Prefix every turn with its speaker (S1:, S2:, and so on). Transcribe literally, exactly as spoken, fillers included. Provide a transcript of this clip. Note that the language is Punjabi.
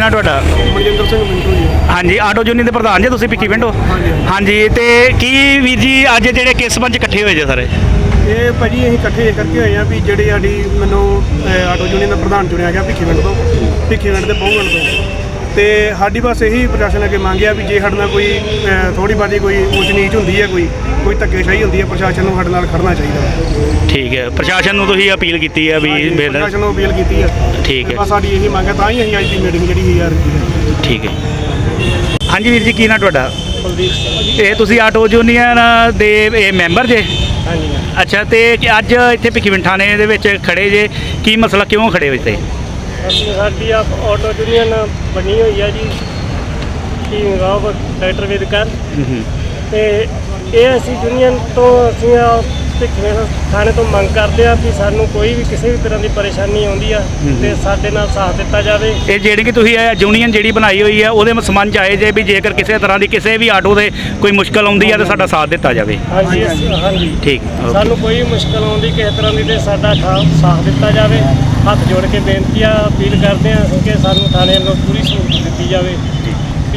S1: ਨਾਂ ਤੁਹਾਡਾ?
S2: ਮਨਜਿੰਦਰ ਸਿੰਘ ਮਿੰਟੂ ਜੀ।
S1: ਹਾਂਜੀ, ਆਟੋ ਯੂਨੀਅਨ ਦੇ ਪ੍ਰਧਾਨ ਜੀ ਤੁਸੀਂ ਭਿੱਖੀ ਪਿੰਡੋਂ?
S2: ਹਾਂਜੀ
S1: ਹਾਂਜੀ, ਤੇ ਕੀ ਵੀਰ ਜੀ ਅੱਜ ਜਿਹੜੇ ਕਿਸ ਸੰਬੰਧ 'ਚ ਇਕੱਠੇ ਹੋਏ ਜੇ ਸਾਰੇ?
S2: ਇਹ ਭਾਜੀ ਅਸੀਂ ਇਕੱਠੇ ਕਰਕੇ ਹੋਏ ਆ ਵੀ ਜਿਹੜੀ ਸਾਡੀ ਮੈਨੂੰ ਅਹ, ਆਟੋ ਯੂਨੀਅਨ ਦਾ ਪ੍ਰਧਾਨ ਚੁਣਿਆ ਗਿਆ ਭਿੱਖੀ ਪਿੰਡ ਤੋਂ, ਭਿੱਖੀ ਪਿੰਡ ਦੇ ਬਹੁਗਣ ਤੋਂ। ਤੇ ਸਾਡੀ ਬਸ ਇਹੀ ਪ੍ਰਸ਼ਾਸਨ ਅੱਗੇ ਮੰਗਿਆ ਵੀ ਜੇ ਸਾਡੇ ਨਾਲ ਕੋਈ ਥੋੜੀ ਬਾਤੀ ਕੋਈ ਉੱਚ ਨੀਚ ਹੁੰਦੀ ਹੈ, ਕੋਈ ਕੋਈ ਧੱਕੇਸ਼ਾਹੀ ਹੁੰਦੀ ਹੈ, ਪ੍ਰਸ਼ਾਸਨ ਨੂੰ ਸਾਡੇ ਨਾਲ ਖੜਨਾ ਚਾਹੀਦਾ।
S1: ਠੀਕ ਹੈ, ਪ੍ਰਸ਼ਾਸਨ ਨੂੰ ਤੁਸੀਂ ਅਪੀਲ ਕੀਤੀ ਹੈ ਵੀ ਫਿਰ-
S2: ਪ੍ਰਸ਼ਾਸਨ ਨੂੰ ਅਪੀਲ ਕੀਤੀ ਹੈ।
S1: ਠੀਕ ਹੈ,
S2: ਬਸ ਸਾਡੀ ਇਹੀ ਮੰਗ ਹੈ, ਤਾਂ ਹੀ ਅਸੀਂ ਅੱਜ ਦੀ ਮੀਟਿੰਗ ਜਿਹੜੀ ਹੋਈ ਆ।
S1: ਠੀਕ ਹੈ। ਹਾਂਜੀ ਵੀਰ ਜੀ, ਕੀ ਨਾਂ ਤੁਹਾਡਾ?
S2: ਕੁਲਦੀਪ ਸਿੰਘ।
S1: ਇਹ ਤੁਸੀਂ ਆਟੋ ਯੂਨੀਅਨ ਦੇ ਇਹ ਮੈਂਬਰ ਜੇ?
S2: ਹਾਂਜੀ।
S1: ਅੱਛਾ, ਤੇ ਅੱਜ ਇੱਥੇ ਭਿੱਖੀ ਪਿੰਡ ਥਾਣੇ ਦੇ ਵਿੱਚ ਖੜੇ ਜੇ, ਕੀ ਮਸਲਾ, ਕਿਉਂ ਖੜੇ ਹੋ ਇੱਥੇ?
S2: ਅਸੀਂ ਸਾਡੀ ਆ ਆਟੋ ਯੂਨੀਅਨ ਬਣੀ ਹੋਈ ਆ ਜੀ, ਕੀ ਰਾਵ ਡਾਕਟਰ ਵਿਦਕਰ, ਤੇ ਇਹ ਅਸੀਂ ਯੂਨੀਅਨ ਤੋਂ ਅਸੀਂ ਆ ਭਿੱਖੀ ਥਾਣੇ ਤੋਂ ਮੰਗ ਕਰਦੇ ਆ ਵੀ ਸਾਨੂੰ ਕੋਈ ਵੀ ਕਿਸੇ ਵੀ ਤਰ੍ਹਾਂ ਦੀ ਪਰੇਸ਼ਾਨੀ ਆਉਂਦੀ ਆ ਤੇ ਸਾਡੇ ਨਾਲ ਸਾਥ ਦਿੱਤਾ ਜਾਵੇ।
S1: ਇਹ ਜਿਹੜੀ ਕਿ ਤੁਸੀਂ ਇਹ ਯੂਨੀਅਨ ਜਿਹੜੀ ਬਣਾਈ ਹੋਈ ਹੈ ਉਹਦੇ ਸੰਬੰਧ 'ਚ ਆਏ ਜੇ ਵੀ ਜੇਕਰ ਕਿਸੇ ਤਰ੍ਹਾਂ ਦੀ ਕਿਸੇ ਵੀ ਆਟੋ ਦੇ ਕੋਈ ਮੁਸ਼ਕਲ ਆਉਂਦੀ ਹੈ ਤਾਂ ਸਾਡਾ ਸਾਥ ਦਿੱਤਾ ਜਾਵੇ।
S2: ਹਾਂਜੀ ਹਾਂਜੀ,
S1: ਠੀਕ,
S2: ਸਾਨੂੰ ਕੋਈ ਮੁਸ਼ਕਲ ਆਉਂਦੀ ਕਿਸੇ ਤਰ੍ਹਾਂ ਦੀ ਤੇ ਸਾਡਾ ਸਾਥ ਦਿੱਤਾ ਜਾਵੇ। ਹੱਥ ਜੋੜ ਕੇ ਬੇਨਤੀ ਆ, ਅਪੀਲ ਕਰਦੇ ਆ ਕਿ ਸਾਨੂੰ ਥਾਣੇ ਵੱਲੋਂ ਪੂਰੀ ਸਹੂਲਤ ਦਿੱਤੀ ਜਾਵੇ।